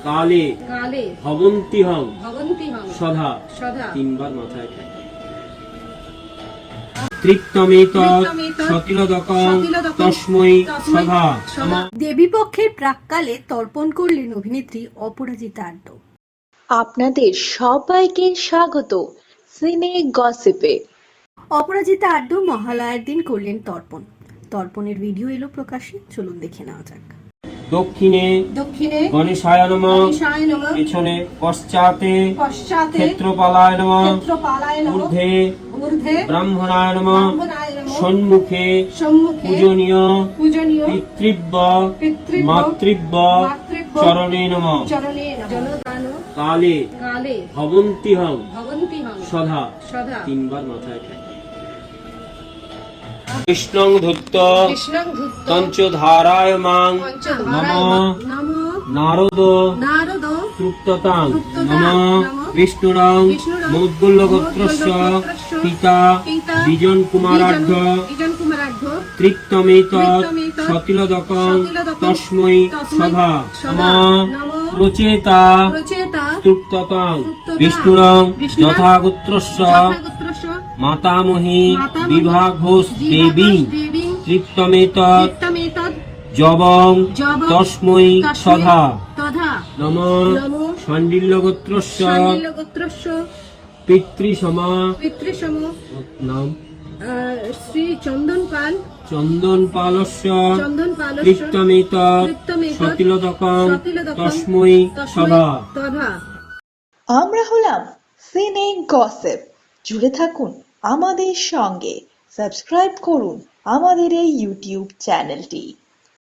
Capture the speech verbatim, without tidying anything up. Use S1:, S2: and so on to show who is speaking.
S1: কালে
S2: কালে
S1: ভবন্তিহং
S2: ভবন্তিহং
S1: সদা
S2: সদা
S1: তিনবার মাথায় ঠেকা। তৃপ্তমেতৎ সতিলদকং তস্मै সদা।
S3: দেবীপক্ষের প্রাক্কালে তর্পণ করলেন অভিনেত্রী অপরাজিতা আড্ড।
S4: আপনাদের সবাইকে স্বাগত সিনে গসিপে।
S3: অপরাজিতা আড্ড মহালয়ার দিন করলেন তর্পণ। তর্পণের ভিডিও এলো প্রকাশ্যে, চলুন দেখে নেওয়া যাক।
S1: দক্ষিণে
S2: দক্ষিণে
S1: গণেশায় নমঃ,
S2: গণেশায় নমঃ,
S1: পেছনে পশ্চাতে
S2: পশ্চাতে
S1: ক্ষেত্রপালায় নমঃ,
S2: ক্ষেত্রপালায় নমঃ,
S1: ঊর্ধ্বে
S2: ঊর্ধ্বে
S1: ব্রাহ্মণায় নমঃ,
S2: ব্রাহ্মণায় নমঃ,
S1: সম্মুখে
S2: সম্মুখে
S1: পূজনীয়
S2: পূজনীয়
S1: পিতৃব্য
S2: পিতৃব্য
S1: মাতৃব্য
S2: মাতৃব্য
S1: চরণে নমঃ।
S2: চরণে নমঃ। জলদান
S1: কালে
S2: কালে
S1: ভবন্তিহং
S2: ভবন্তিহং
S1: সদা
S2: সদা
S1: তিনবার মাথায় ঠেকা। কৃষ্ণং ধূত্ত
S2: কৃষ্ণং ধূত্ত
S1: পঞ্চধারায় মাং নমঃ।
S2: নমঃ
S1: নারদ
S2: নারদ
S1: তৃপ্ততাং
S2: তৃপ্ততাং
S1: নমঃ।
S2: নমঃ।
S1: বিষ্ণুরং
S2: বিষ্ণুরং
S1: মৌদ্গল্যগোত্রস্য
S2: মৌদ্গল্যগোত্রস্য
S1: পিতা
S2: পিতা
S1: বিজন কুমারাঢ্য
S2: বিজন কুমারাঢ্য
S1: তৃপ্তমেতৎ
S2: তৃপ্তমেতৎ
S1: সতিলদকং
S2: সতিলদকং
S1: তস্मै
S2: তস্मै
S1: সদা
S2: সদা
S1: নমঃ।
S2: নমঃ।
S1: প্রচেতা
S2: প্রচেতা
S1: তৃপ্ততাং
S2: তৃপ্ততাং
S1: বিষ্ণুরং
S2: বিষ্ণুরং
S1: যথাগোত্রস্য
S2: যথাগোত্রস্য
S1: মাতামহী
S2: মাতামহী
S1: বিভা ঘোষ দেবী
S2: দেবী
S1: তৃপ্তমেতৎ
S2: তৃপ্তমেতৎ
S1: যবং
S2: যবং
S1: তস্मै
S2: তস্मै
S1: সদা
S2: তথা
S1: নমঃ।
S2: নমঃ।
S1: শাণ্ডিল্যগোত্রস্য
S2: শাণ্ডিল্যগোত্রস্য
S1: পিতৃসমা
S2: পিতৃসম
S1: নাম
S2: আহ, শ্রী চন্দন পাল
S1: চন্দন পালস্য
S2: চন্দন পালস্য
S1: তৃপ্তমেতৎ
S2: তৃপ্তমেতৎ
S1: সতিলদকং
S2: সতিলদকং
S1: তস্मै
S2: তস্मै
S1: সদা।
S2: তথা।
S4: আমরা হলাম সিনে গসিপ। জুড়ে থাকুন আমাদের সঙ্গে, সাবস্ক্রাইব করুন আমাদের এই ইউটিউব চ্যানেলটি।